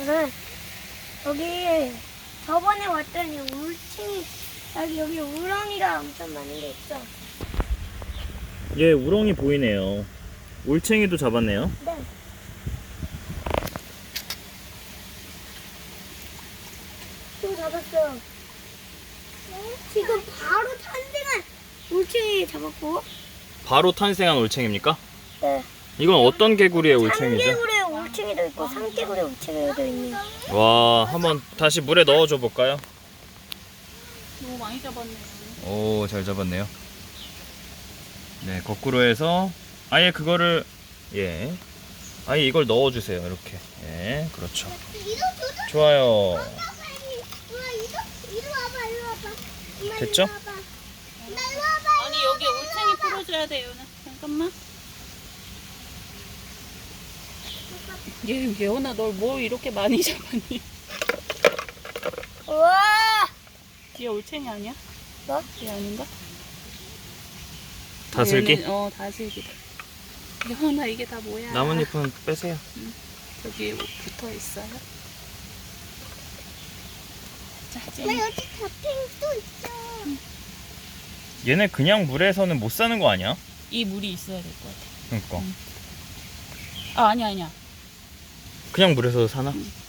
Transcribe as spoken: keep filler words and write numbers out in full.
오늘은 여기 저번에 왔더니 울챙이 여기 여기 우렁이가 엄청 많은 게 있죠. 예, 우렁이 보이네요. 올챙이도 잡았네요. 네. 좀 잡았어요. 지금 바로 탄생한 울챙이 잡았고. 바로 탄생한 올챙이입니까? 네. 이건 어떤 개구리의 올챙이죠? 삼개구리의 울챙이도 있고 삼개구리의 울챙이도 있네요. 와, 한번 다시 물에 넣어줘 볼까요? 너무 많이 잡았네. 오, 잘 잡았네요. 네, 거꾸로 해서 아예 그거를, 예, 아예 이걸 넣어주세요. 이렇게. 예, 그렇죠. 좋아요. 됐죠? 아니 여기 올챙이 풀어줘야 돼요. 잠깐만. 얘 예원아 널 뭐 이렇게 많이 잡았니? 우와! 얘 올챙이 아니야? 뭐? 얘 아닌가? 다슬기? 얘는, 어 다슬기다. 예원아 이게 다 뭐야? 나뭇잎은 빼세요. 저기 붙어 있어요. 자, 나 쟤 여기 닭팽이도 있어. 얘네 그냥 물에서는 못 사는 거 아니야? 이 물이 있어야 될 것 같아. 그러니까. 아 아니야 아니야. 그냥 물에서 사나? 응.